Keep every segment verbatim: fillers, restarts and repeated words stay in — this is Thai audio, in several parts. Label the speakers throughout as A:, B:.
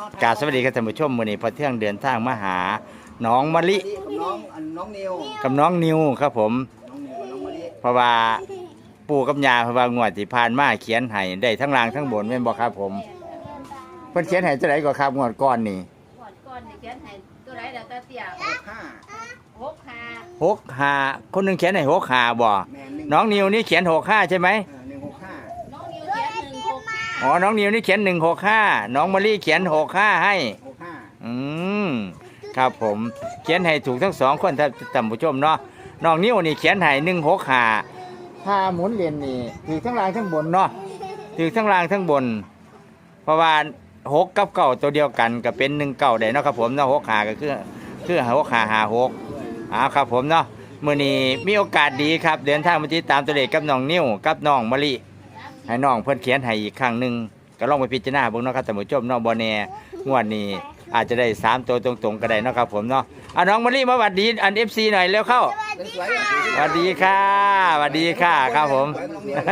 A: กราบสวัสดีครับท่านผู้ชมมื้อนี้พอเที่ยงเดินทางมาหาน้องมะลิ
B: กับน้องอันน้องนิว
A: กับน้องนิวครับผม
B: น้องนิวกับน้องมะลิ
A: เพราะว่าปู่กับย่าเพราะว่างวดที่ผ่านมาเขียนให้ได้ทั้งล่างทั้งบนแม่นบ่ครับผมเพิ่นเขียนให้เท่าไหร่ก็ครับงวดก่อนนี่
C: ก่อนก่อนเนี่ยเขียนให้ตัวไรแล้วก็เตี้ย
B: ห้า
C: หกห้า
A: หกห้าคนหนึงเขียนให้หกห้าบ่
B: แมนหนึ่ง
A: น้องนิวนี่เขียนหกห้าใช่ไหม
B: อ่าหนึ่งหกห้า
C: น้องนิวเขียนหนึ่งหกห้า
A: อ๋อน้องนิวนี่เขียนหนึ่งหกห้าน้องมะลิเขียนหกห้าให้
B: หกห้า
A: อืมครับผมเขียนให้ถูกทั้งสองคนท่านท่านผู้ชมเนาะน้องนิ้วนี่เขียนให้หนึ่งหกห้าถ้าหมุนเรียนนี่ถือทั้งล่างทั้งบนเนาะถือทั้งล่างทั้งบน เพราะว่าหกกับเก้าตัวเดียวกันก็เป็นหนึ่งเก้าได้เนาะครับผมเนาะหกห้าก็คือคือหกห้าห้าหกอ่าครับผมเนาะมื้อนี้มีโอกาสดีครับเดินทางมาติดตามตัวเลขกับน้องนิ้วกับน้องมะลิให้น้องเพิ่นเขียนให้อีกครั้งหนึงก็ลองไปพิจารณาเบิ่งเนาะครับท่านผู้ชมเนาะบ่แน่งวดนี้อาจจะได้สามตัวตรงๆก็ได้เนาะครับผมเนาะอ่ะน้องมะลิมาหวัดดีอัน เอฟ ซี หน่อยเร็วเข้า
B: สวย
A: สวัสดีค่ะสวัสดีค่ะครับผม
B: สวยน้องนิว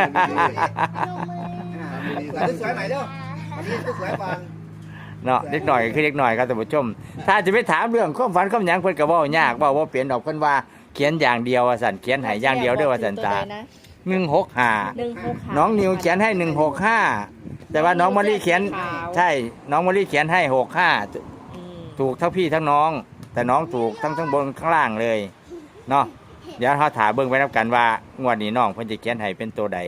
B: อ่าสวยใหม่เด้อวันนี้สวยก่อน
A: เนาะเล็กหน่อยก็คือเล็กหน่อยครับท่านผู้ชม ถ้าจะไปถามเรื่องความฝันความหยังเพิ่นก็เว้ายากเว้าบ่เปลี่ยนดอกเพิ่นว่าเขียนอย่างเดียวว่าซั่นเขียนให้อย่างเดียวเด้อว่าซั่นตาหนึ่งหกห้า
C: หนึ่งหกห้า
A: น้องนิวเขียนให้หนึ่งหกห้าแต่ว่าน้องมะลิเขียนใช่น้องมะลิเขียนให้หกห้าถูกทั้งพี่ทั้งน้อง แต่น้องถูกทั้งทั้งบนข้างล่างเลยเนาะเดี๋ยวเราถามเบิ่งไปนับกันว่างวดนี้น้องเพิ่นจะเขียนให้เป็นตัวใด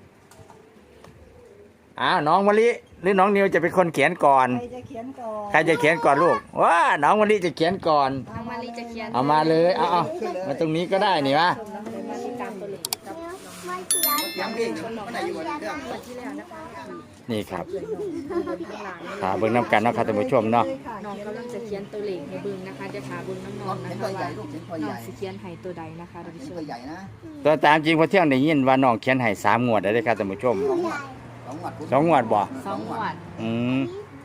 A: อ้าวน้องมะลิหรือน้องนิวจะเป็นคนเขียนก่อน
D: ใครจะเขียนก่อน
A: ใครจะเขียนก่อนลูกว้าน้องมะลิจะเขียนก่อน
C: น้องมาลีจะเขียน
A: เอามาเลยเอาเอามาตรงนี้ก็ได้นี่วะ
C: มาลีตามตัวเลขกับ
B: ยังเองไม่ได้อยู่เรื่อง
C: ที่แล้วนะคะ
A: นี่ครับ
C: ข้างหลัง
A: ถามเบิ่งน้ำกันเนาะครับท่านผู้ชมเนาะ
C: น้องกำลังจะเขียนตัวเลขให้เบิ่งนะคะจะถามเบิ่งน้ำนองนะ
B: เห็น
C: คะ
B: ตัวใหญ่
C: ว่า
B: ลูกเห็นตัว
C: น้
B: ให
C: อง
B: ญ่
C: สิเขียนให้ตัวใดนะคะท่าน
B: เห็น
C: ผู้ช
B: ตัว
C: ม
B: ใหญ่นะ
A: ตัวตามจริงพอเที่ยงได้ยินว่าน้องเขียนให้สามงวดได้เลยครับท่านผู้ชม
B: สองหวัดสองหวัด
A: สองงวดบ่
C: สองหวัด
A: อืม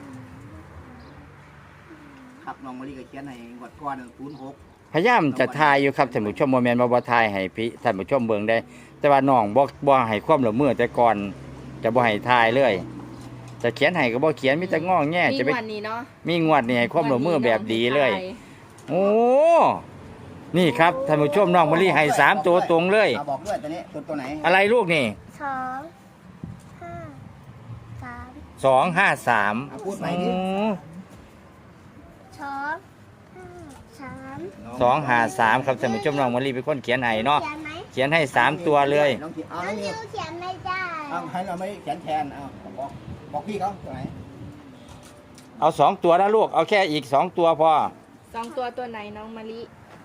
B: ครับน้องมะลิก็เขียนให้หวัดก้อนศูนย์หก
A: พยายามจะทายอยู่ครับท่านผู้ชมโมเมนต์มาบ่ทายให้พี่ท่านผู้ชมเบิ่งได้ แต่ว่าน้องบ่บ่ให้ความร่วมมือแต่ก่อนจะบ่ให้ทายเลยจะเขียนให้ก็บ่เขียนมีแต่ง้อแง่
C: มี
A: จะไป
C: วันนี้เนาะ
A: มีงวดนี่ให้ความร่วมมือแบบดีเลย โอ้ นี่ครับท่านผู้ชมน้องมะลิให้สามตัวตรงเลย
B: เอาบอกด้วยตัวนี้ตัวตัวไหน
A: อะไรลูกนี่
D: สองห้าสาม
A: สองห้าสาม
B: เอาพูดใหม่ดิ
D: สองห้าสาม
A: สองห้าสามครับท่านผู้ชมน้องมะลิเป็นคนเขียนให้เนาะ
D: เขียนไหม
A: เขียนให้สามตัวเลย
B: น้องเขียนเอา
D: น้
B: น้
D: อ
B: อง ง
D: นิ
B: นิว
D: วเขียนไม่ได้
B: เอาให้เราไม่เขียนแทนเอาบอกบอกพี่เขาตัวไหน
A: เอาสองตัวนะลูกเอาแค่อีกสองตัวพอ
C: สองตัวตัวไหนน้องมะลิ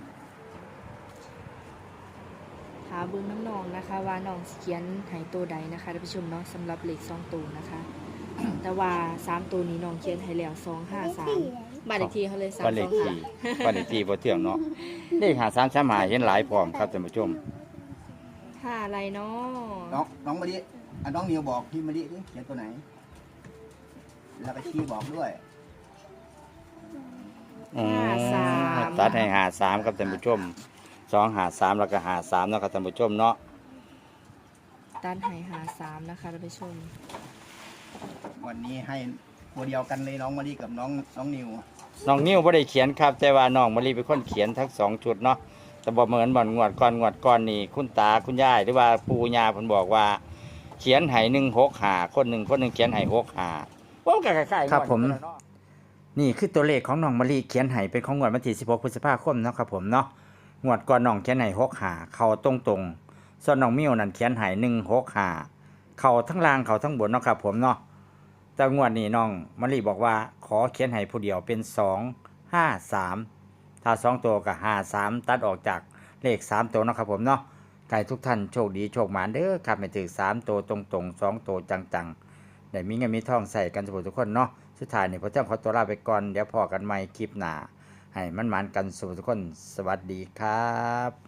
C: ถามเบิ่งน้ำนองนะคะ ว่าน้องสิเขียนให้ตัวใดนะคะท่านผู้ชมเนาะสำหรับเลขสองตัวนะคะ แต่ว่าสามตัวนี้น้องเขียนให้แล้วสองห้าสามบ้านเลขที่เขาเลยสาม
A: บ้านเล
C: ส
A: ข
C: อง
A: ที่
C: ห้า
A: บ้านเลขที่พอเที่ยงเนาะเลขหาสามสามหาเห็นหลายพร้อมครับท่านผู้ชม
C: ห้าอะไรเนาะ
B: น้องน้องมะลิอ่ะน้องนิวบอกพี่มะลิดิเขียนตัวไหน แล้วก็ชี้บอกด้วย
A: อืมตัดให้หาสามครับท่านผู้ชมสองหาสามแล้วก็หาสามเนาะครับท่านผู้ชมเนาะ
C: ด้านไห้หาสามนะคะท่านผู้ชม
B: วันนี้ให้ตัวเดียวกันเลยน้องมะลิกับน้องน้องนิว
A: น้องนิ้วบ่ได้เขียนครับ แต่ว่าน้องมะลิเป็นคนเขียนทั้งสองชุดเนาะแต่บ่เหมือนบ่อนงวดก่อนงวดก่อนนี่คุณตาคุณยายหรือว่าปู่ย่าเพิ่นบอกว่า เขียนให้หนึ่งหกหาคนหนึ่งคนหนึ่งเขียนให้หกหาว่าก็คล้ายๆครับผม นี่คือตัวเลขของน้องมะลิเขียนให้เป็นของงวดวันที่สิบหกพฤษภาคมเนาะครับผมเนาะงวดก่อนน้องเขียนให้หกหาเข้าตรงๆส่วนน้องมิ้วนั่นเขียนให้หนึ่งหกหาเข้าทั้งล่างเข้าทั้งบนเนาะครับผมเนาะแต่งวดนี้น้องมะลิบอกว่าขอเขียนให้ผู้เดียวเป็นสองห้าสามถ้าสองตัวกับห้าสามตัดออกจากเลขสามตัวเนาะครับผมเนาะใครทุกท่านโชคดีโชคหมานเด้อครับไม่ถึงสามตัวตรงๆสองตัวจังๆได้มีเงินมีทองใส่กันทุกคนเนาะสุดท้ายนี่พอเจ้าขอตัวลาไปก่อนเดี๋ยวพอกันใหม่คลิปหน้าให้มันหมานกันสุขทุกคนสวัสดีครับ